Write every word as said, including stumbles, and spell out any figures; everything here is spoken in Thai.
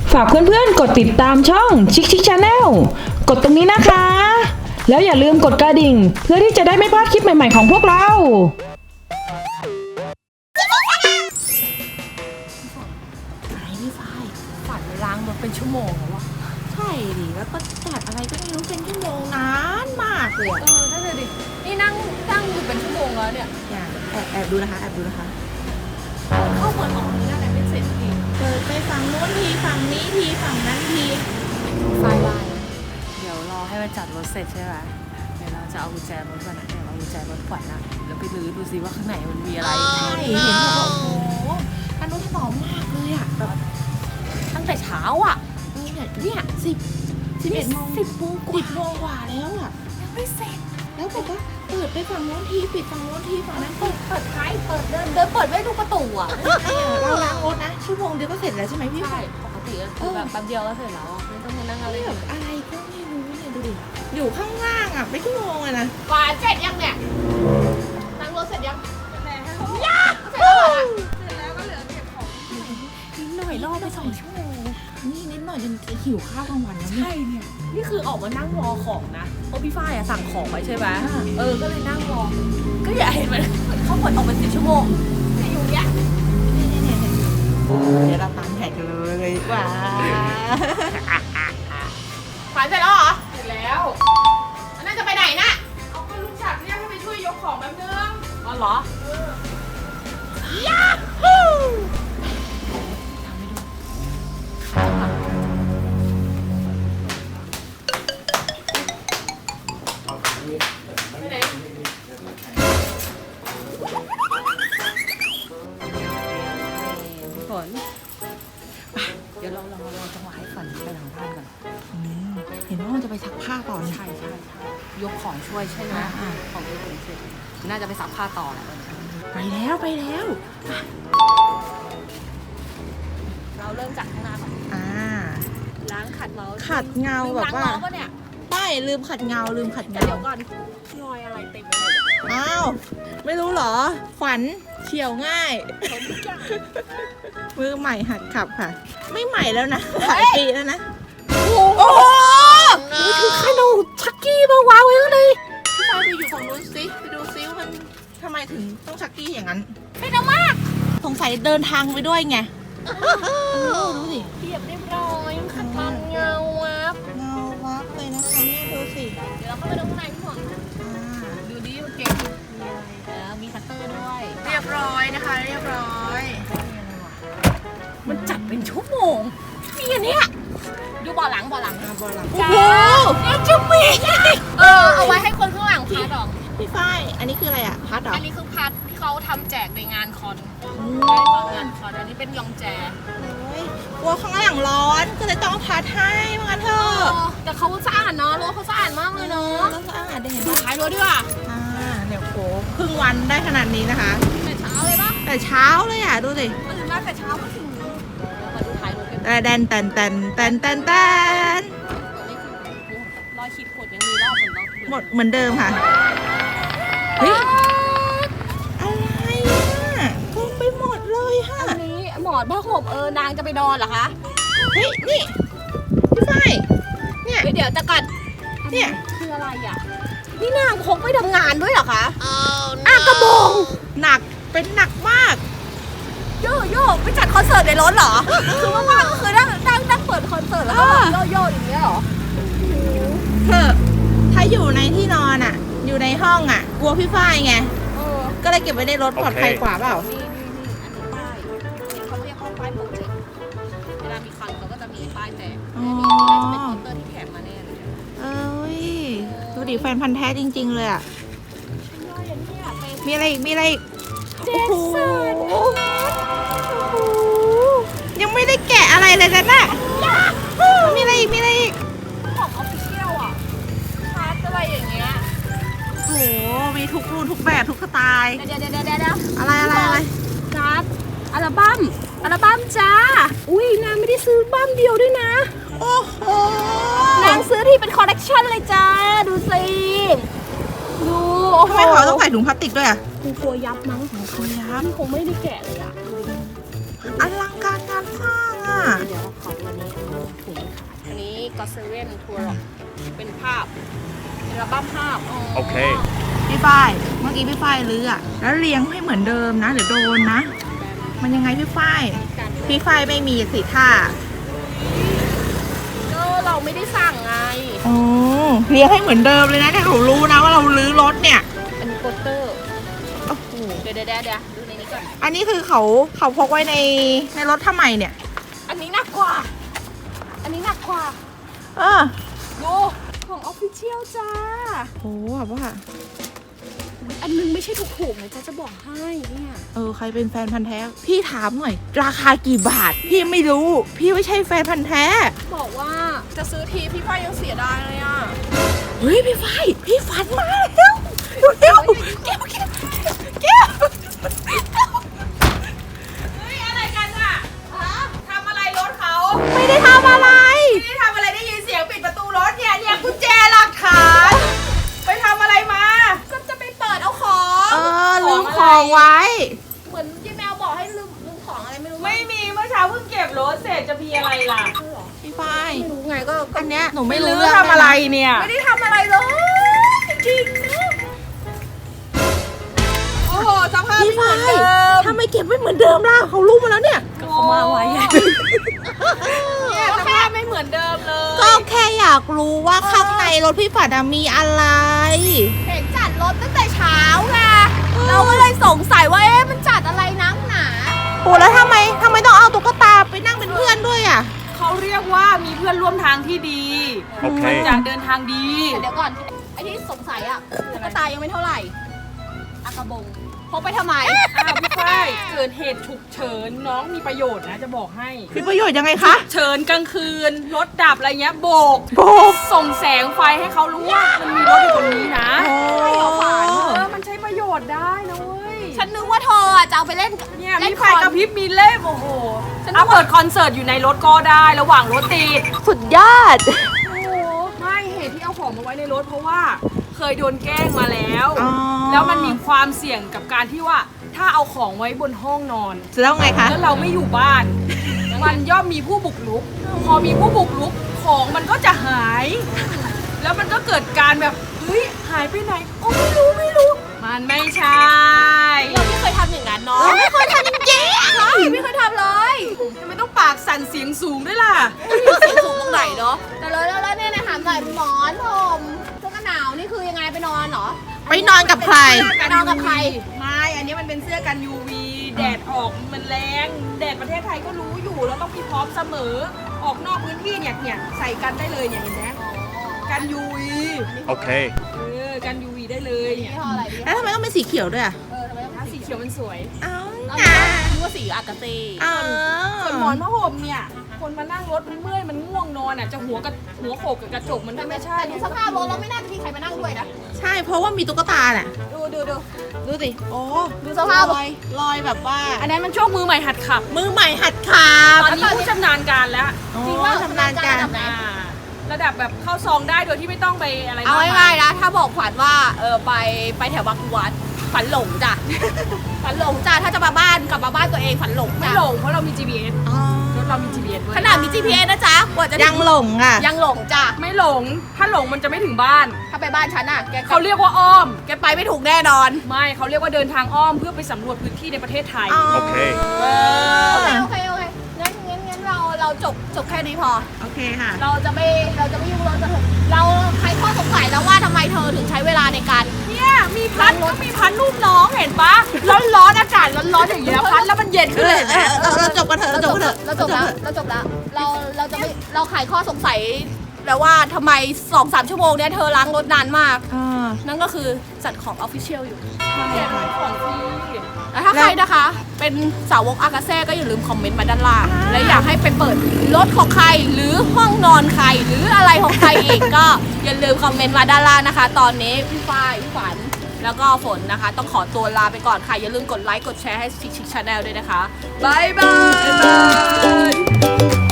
ฝากเพื่อนๆกดติดตามช่องชิคชิคชาแนลกดตรงนี้นะคะแล้วอย่าลืมกดกระดิ่งเพื่อที่จะได้ไม่พลาดคลิปใหม่ๆของพวกเราอะไรพี่ฝ้ายฝันล้างรถเป็นชั่วโมงแล้ววะใช่ดิแล้วก็จัดอะไรก็ไม่รู้เป็นชั่วโมงนานมากเลยเออนั่นเลยดินี่นั่งนั่งอยู่เป็นชั่วโมงแล้วเนี่ยอย่าแอบแอบดูนะคะแอบดูนะคะเข้าเปิดออกนี่นั่นแหละไม่เสร็จทีเปิดไปฝั่งโน้นทีฝั่งนี้ทีฝั่งนั้นทีไฟไลน์เดี๋ยวรอให้มันจัดรถเสร็จใช่ไหมเดี๋ยวเราจะเอากุญแจรถก่อนนะเดี๋ยวเอากุญแจรถขวัญนะแล้วไปลื้อดูซิว่าข้างในมันมีอะไรใช่เห็นแบบโอ้โหอันนู้นถนอมมากเลยอ่ะแบบตั้งแต่เช้าอ่ะเนี่ยเนี่ยสิบสิบเอ็ดโมงสิบโมงกว่าสิบโมงกว่าแล้วอ่ะยังไม่เสร็จแล้วแบบว่าเปิดไปฝั่งโน้นทีปิดฝั่งโน้นทีฝั่งนั้นเปิดเปิดท้ายเปิดเดินเดินเปิดไม่ดูประตูอ่ะเราล้างรถนะชั่วโมงเดียวก็เสร็จแล้วใช่ไหมพี่ใช่ปกติก็คือแบบแป๊บเดียวก็เสร็จแล้วไม่ต้องมานั่งอะไรแบบอะไรก็ไม่รู้เนี่ยดูดิอยู่ข้างล่างอ่ะไม่ชั่วโมงเลยนะกว่าเสร็จยังเนี่ยล้างรถเสร็จยังเสร็จแล้วยังเสร็จแล้วเสร็จแล้วก็เหลือเก็บของนิดหน่อยรอไปสองชั่วโมงนี่นิดหน่อยจนหิวข้าวกลางวันแล้วใช่เนี่ยนี่คือออกมานั่งรอของนะเพราะพี่ฝ้ายอะสั่งของไว้ใช่ไหมเออก็เลยนั่งรอก็อย่าเห็นมันเขาเปิดออกเป็นสิบชั่วโมงแต่อยู่เนี้ยเดี๋ยวเราตามแขกเลยดีกว่าขวัญเสร็จแล้วเหรอเสร็จแล้วน่าจะไปไหนนะเอาไปลุงฉัดเนี่ยให้ไปช่วยยกของแป๊บนึงอ๋อเหรอยาฮูไปไหนฝนเดี๋ยวเราเราเราจังหวะให้ฝนไปหลังบ้านก่อนเห็นว่ามันจะไปซักผ้าต่อใช่ใช่ใช่ยกของช่วยใช่ไหมของยกของเสร็จน่าจะไปซักผ้าต่อแหละไปแล้วไปแล้วเราเริ่มจากข้างหน้าก่อนอ่าล้างขัดเงาขัดเงาแบบว่าไม่ลืมขัดเงาลืมขัดเงาเดี๋ยวก่อนรอยอะไรเต็มเลยอ้าวไม่รู้เหรอฝันเฉียวง่ายมือใหม่หัดขับค่ะไม่ใหม่แล้วนะหลายปีแล้วนะโอ้โหนี่คือขนมชักกี้มาวางไว้ข้างในพี่ฟ้าไปอยู่ของนู้นสิไปดูซิว่ามันทำไมถึงต้องชักกี้อย่างนั้นไม่นะมากสงสัยเดินทางไปด้วยไงดูสิเรียบเรียบร้อยขัดมันเงาวับเงาวับเลยนะคะเนี่ยดูสิเดี๋ยวเราเข้าไปดูข้างในพี่หวังดูดิมันเก่งมีอะไรแล้วมีคัตเตอร์ด้วยเรียบร้อยนะคะเรียบร้อยมันจัดเป็นชั่วโมงมีอันเนี้ยดูบ่อหลังบ่อหลังบ่อหลังโอ้โหเนี่ยจะมีเออเอาไว้ให้คนข้างหลังพัดหรอพี่ฝ้ายอันนี้คืออะไรอ่ะพัดหรออันนี้คือพัดที่เขาทำแจกในงานคอนงานคอนอันนี้เป็นยองแจกลัวข้างหลังร้อนก็เลยต้องพัดให้มากันเถอะแต่เขาสะอาดเนาะรถเขาสะอาดมากเลยเนาะสะอาดได้เห็นดูท้ายรถด้วยอ่ะอ่าเดี๋ยวโหครึ่งวันได้ขนาดนี้นะคะแต่เช้าเลยปะแต่เช้าเลยอ่ะดูสิตื่นมาแต่เช้าก็ถึงมาดูท้ายรถกันแต่แดนแตนแตนแตนแตนแตนรอยขีดข่วนยังมีรอบเหมือนหมดเหมือนเดิมค่ะเฮ้ยอะไรอ่ะเต็มไปหมดเลยฮะอันนี้หมอนผ้าห่มเออนางจะไปนอนเหรอคะเฮ้ยนี่พี่ฝ้ายเนี่ยเดี๋ยวจะกัดเนี่ยคืออะไรอ่ะนี่นางพกไปทำงานด้วยเหรอคะอ่ะกระบองหนักเป็นหนักมากโยโย่ไปจัดคอนเสิร์ตในรถเหรอคือว่างๆก็คือนั่งนั่งนั่งเปิดคอนเสิร์ตแล้วก็โยโย่อย่างเงี้ยเหรอเธอถ้าอยู่ในที่นอนอ่ะอยู่ในห้องอ่ะกลัวพี่ฝ้ายไงก็เลยเก็บไว้ในรถปลอดภัยกว่าเปล่านี่นี่นี่อันนี้ป้ายเขาเรียกว่าป้ายโปรเจกต์เวลามีคอนเขาก็จะมีป้ายแจกอ๋อจะเป็นโปสเตอร์ที่แถมมาแน่เลยเอ้ยดูดิแฟนพันธ์แท้จริงๆเลยอ่ะมีอะไรอีกมีอะไรอีกโอ้โหยังไม่ได้แกะอะไรเลยนะน่ะมีอะไรอีกมีอะไรอีกของออฟฟิเชียลอ่ะพาร์ทอะไรอย่างเงี้ยโอ้โหมีทุกรุ่นทุกแบบทุกสไตล์เดี๋ยวเดี๋ยวเดี๋ยวเดี๋ยวอะไรอะไรอะไรการ์ดอัลบั้มอัลบั้มจ้าอุ้ยนางไม่ได้ซื้อบั้มเดียวด้วยนะโอ้โหนางซื้อที่เป็นคอลเลกชันเลยจ้าดูสิดูทำไมเขาต้องใส่ถุงพลาสติกด้วยอ่ะกูกลัวยับมั้งกลัวยับนี่คงไม่ได้แกะเลยอ่ะอลังการงานสร้างอ่ะเดี๋ยวขอวันนี้ก็เซเว่นทัวร์เป็นภาพเป็นอัลบั้มภาพโอเคพี่ฝ้ายเมื่อกี้พี่ฝ้ายลื้ออะแล้วเลี้ยงให้เหมือนเดิมนะเดี๋ยวโดนนะ มันยังไงพี่ฝ้ายพี่ฝ้ายไม่มีสิท่าก็เราไม่ได้สั่งไงอ๋อเลี้ยงให้เหมือนเดิมเลยนะแต่เขารู้นะว่าเราลื้อรถเนี่ยอันนี้โปสเตอร์โอ้โหเดี๋ยวเดี๋ยวเดี๋ยวดูในนี้ก่อนอันนี้คือเขาเขาพกไว้ในในรถทำไมเนี่ยอันนี้หนักกว่าอันนี้หนักกว่าเออดูของออฟฟิเชียลจ้าโอ้แบบว่าอันนึงไม่ใช่ถูกๆนะจ๊ะจะบอกให้เนี่ยเออใครเป็นแฟนพันธ์แท้พี่ถามหน่อยราคากี่บาทพี่ไม่รู้พี่ไม่ใช่แฟนพันธ์แท้บอกว่าจะซื้อทีพี่ฝ้ายยังเสียดายเลยอ่ะเฮ้ยพี่ฝ้ายพี่ฝันมาแล้วเร็วเร็วเร็วเร็วเฮ้ยอะไรกันอ่ะทำอะไรรถเขาไม่ได้ทำอะไรไม่ได้ทำอะไรได้ยินเสียงปิดประตูรถเนี่ยเนี่ยกุญแจหลักฐานไปทำอะไรมาก็จะไปเปิดเอาของเออลืมของไว้เหมือนที่แมวบอกให้ลืมลืมของอะไรไม่รู้ไม่มีเมื่อเช้าเพิ่งเก็บรถเสร็จจะมีอะไรล่ะพี่ฝ้ายไม่รู้ไงก็อันเนี้ยหนูไม่รู้ทำอะไรเนี่ยไม่ได้ทำอะไรเลยจริงนะโอ้โหสภาพไม่เหมือนเดิมทำไมเก็บไม่เหมือนเดิมล่ะเขารู้มาแล้วเนี่ยก็เขามาไว้เนี่ยสภาพไม่เหมือนเดิมเลยก็แค่อยากรู้ว่าข้างในรถพี่ฝันมีอะไรเห็นจัดรถตั้งแต่เช้าไงเราก็เลยสงสัยว่าเอ๊ะมันจัดอะไรนักหนาโอ้แล้วทำไมทำไมต้องเอาตุ๊กตาไปนั่งเป็นเพื่อนด้วยอ่ะเขาเรียกว่ามีเพื่อนร่วมทางที่ดีโอเคจากเดินทางดีเดี๋ยวก่อนไอ้ที่สงสัยอ่ะตุ๊กตายังไม่เท่าไหร่อากระบงพกไปทำไมอ้าวพี่ฝ้ายเกิดเหตุฉุกเฉินน้องมีประโยชน์นะจะบอกให้มีประโยชน์ยังไงคะเฉินกลางคืนรถดับอะไรเงี้ยโบกโบกส่งแสงไฟให้เขารู้ว่ามันมีรถอยู่ตรงนี้นะใช่เหรอฝันเออมันใช้ประโยชน์ได้นะเว้ยฉันนึกว่าเธอจะเอาไปเล่นเนี่ยมีไฟกระพริบมีเล่มโอ้โหเอาเปิดคอนเสิร์ตอยู่ในรถก็ได้ระหว่างรถติดสุดยอดโอ้ไม่เหตุที่เอาของมาไว้ในรถเพราะว่าเคยโดนแกล้งมาแล้วแล้วมันมีความเสี่ยงกับการที่ว่าถ้าเอาของไว้บนห้องนอนแล้วไงคะแล้วเราไม่อยู่บ้านมันย่อมมีผู้บุกรุกพอมีผู้บุกรุกของมันก็จะหายแล้วมันก็เกิดการแบบเฮ้ยหายไปไหนโอ้ไม่รู้ไม่รู้มันไม่ใช่เราไม่เคยทำอย่างนั้นเนาะไม่เคยทำจริงๆใช่ไม่เคยทำเลยทำไมต้องปากสั่นเสียงสูงด้วยล่ะเสียงสูงตรงไหนเนาะแต่แล้วแล้วเนี่ยนะถามหน่อยหมอนผมเสื้อกันหนาวนี่คือยังไงไปนอนเหรอไปนอนกับใครไปนอนกับใครไม่อันนี้มันเป็นเสื้อกัน ยู วี แดดออกมันแรงแดดประเทศไทยก็รู้อยู่แล้วต้องมีพร้อมเสมอออกนอกพื้นที่เนี่ยเนี่ยใส่กันได้เลยเนี่ยเห็นไหมกัน ยู วีโอเคเออกัน ยู วี ได้เลยเนี่ยแล้วทำไมต้องเป็นสีเขียวด้วยอ่ะเออทำไมต้องสีเขียวมันสวยอ้าวนึกว่าสีอากาเซ่ส่วนหมอนผ้าห่มเนี่ยคนมานั่งรถมันเมื่อยมันง่วงนอนอ่ะจะหัวกับหัวโขกกับกระจกมันไม่ใช่แต่สภาพรถเราไม่น่าจะมีใครมานั่งด้วยนะใช่เพราะว่ามีตุ๊กตาแหละดูดูดูดูสิโอ้ดูสภาพลอยลอยแบบว่าอันนั้นมันช่วงมือใหม่หัดขับมือใหม่หัดขับตอนนี้ผู้ชำนาญการแล้วจริงว่าชำนาญการระดับแบบเข้าซองได้โดยที่ไม่ต้องไปอะไรเอาง่ายๆนะถ้าบอกขวัญว่าเออไปไปแถวบางวัดฝันหลงจ้ะฝันหลงจ้ะถ้าจะมาบ้านกลับมาบ้านตัวเองฝันหลงไม่หลงเพราะเรามี จี พี เอส รถเรามี จี พี เอส ด้วยขนาดมี จี พี เอส นะจ๊ะกว่าจะยังหลงอ่ะยังหลงจ้ะไม่หลงถ้าหลงมันจะไม่ถึงบ้านถ้าไปบ้านฉันอ่ะแกเขาเรียกว่าอ้อมแกไปไม่ถูกแน่นอนไม่เขาเรียกว่าเดินทางอ้อมเพื่อไปสำรวจพื้นที่ในประเทศไทยโอเคโอเคโอเคโอเคงั้นงั้นงั้นเราเราจบจบแค่นี้พอโอเคค่ะเราจะไม่เราจะไม่ยุ่งรถจะเราใครข้อสงสัยแล้วว่าทำไมเธอถึงใช้เวลาในการเนี่ยมีพัดก็มีพัดรูปน้องเห็นปะร้อนร้อนอากาศร้อนร้อนอย่างเงี้ยพัดแล้วมันเย็นขึ้นเลยนะเราเราจบกันเถอะเราจบกันเถอะเราจบแล้วเราจบแล้วเราเราจะไม่เราไขข้อสงสัยแล้วว่าทำไม สองถึงสาม ชั่วโมงเนี้ยเธอล้างรถนานมากนั่นก็คือจัดของออฟฟิเชียลอยู่ใช่ของฟรีแล้วถ้าใครนะคะเป็นสาวกอากาเซ่ก็อย่าลืมคอมเมนต์มาด้านล่างและอยากให้ไปเปิดรถของใครหรือห้องนอนใครหรืออะไรของใครอีกก็อย่าลืมคอมเมนต์มาด้านล่างนะคะตอนนี้พี่ฝ้ายพี่ฝันแล้วก็ฝนนะคะต้องขอตัวลาไปก่อนค่ะอย่าลืมกดไลค์กดแชร์ให้ชิคชิคชาแนลด้วยนะคะบ๊ายบาย